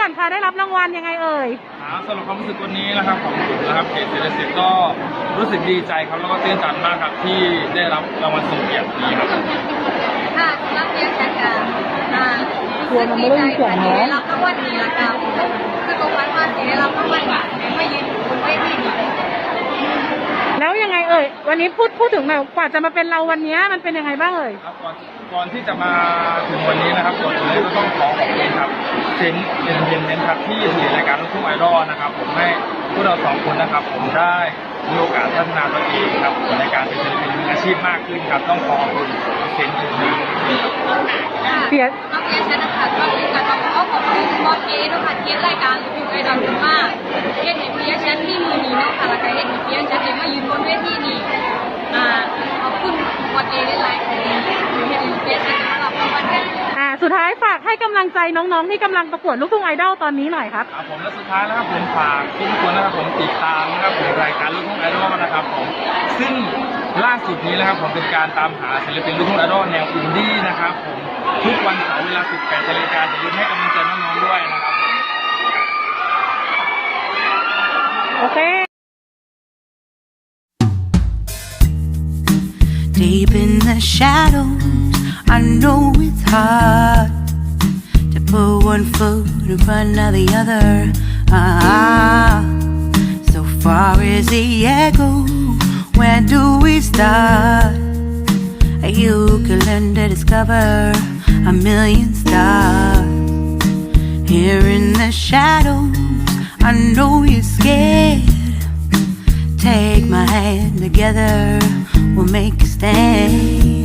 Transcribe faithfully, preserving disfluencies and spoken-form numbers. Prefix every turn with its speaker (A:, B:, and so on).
A: อนคะได้รับรางวัลยังไงเอ่ย
B: ครับสำหรับความรู้สึกวันนี้นะครับของผมนะครับเขตเศรษฐศิลป์ก็รู้สึกดีใจครับแล้วก็ตื่นตันมากครับที่ได้รับรางวัลทรงเกียรตินี้ครับ
C: ค่ะรับเรียนจากการอ่ารู้สึกดีใจที่ได้รับรางวัลนี้ละกันคือตรงวันว่าที่ได้รับรางวัลนี้ไม่ยืนบนเวทีนี้
A: แล้วยังไงเอ่ยวันนี้พูดพูดถึงแบบกว่าจะมาเป็นเราวันนี้มันเป็นยังไงบ้างเอ่ย
B: ครับก่อนก่อนที่จะมาถึงวันนี้นะครับก่อนอื่นเลยก็ต้องขอขอบคุณครับเซนเอ็นเอ็นเอ็นครับที่ถือรายการลูกทุ่งไอดอลนะครับผมให้พวกเราสองคนนะครับผมได้มีโอกาสพัฒนาตัวเองครับในการเป็นศิลปินมืออาชีพมากขึ้นครับต้องขอขอบคุณเซนเอ็นเอ็น
A: เสีย
C: น้องเอชนะคะก็คือการต้องขอขอบคุณบอสเอด้วยค่ะที่รายการลูกทุ่งไอดอลมากเฮ็ดให้พี่ฉันที่มือนี้เนาะค่ะแล้วก็เฮ็ดให้พี่ฉันได้มายืนบนเวทีนี้อ่าขอบคุณบอสเอได้หลายคนเฮ็ดให้พี่ฉันได้รับรางวัลกัน
A: อ่าสุดท้ายฝากให้กำลังใจน้องๆที่กำลังประกวดลูกทุ่งไอดอลตอนนี้หน่อยครับ
B: ครับผมและสุดท้ายนะครับผมฝากทุกคนนะครับผมติดตามนะครับผมรายการลูกทุ่งไอดอลนะครับผมซึ่งล่าสุดนี้นะครับผมเป็นการตามหาศิลปินลูกทุ่งไอดอลแนวอินดี้นะครับผมทุกวันเสาร์เวลาสิบแปดนาฬิกาจะยืนให้กำลังใจน้องๆด้วยนะครับ
A: โอเค
D: Deep in the shadows, I know it's hard to put one foot in front of the other. Ah, so far is the echo. Where do we start? You can learn to discover a million stars. Here in the shadows, I know you're scared. Take my hand, together we'll make a stand.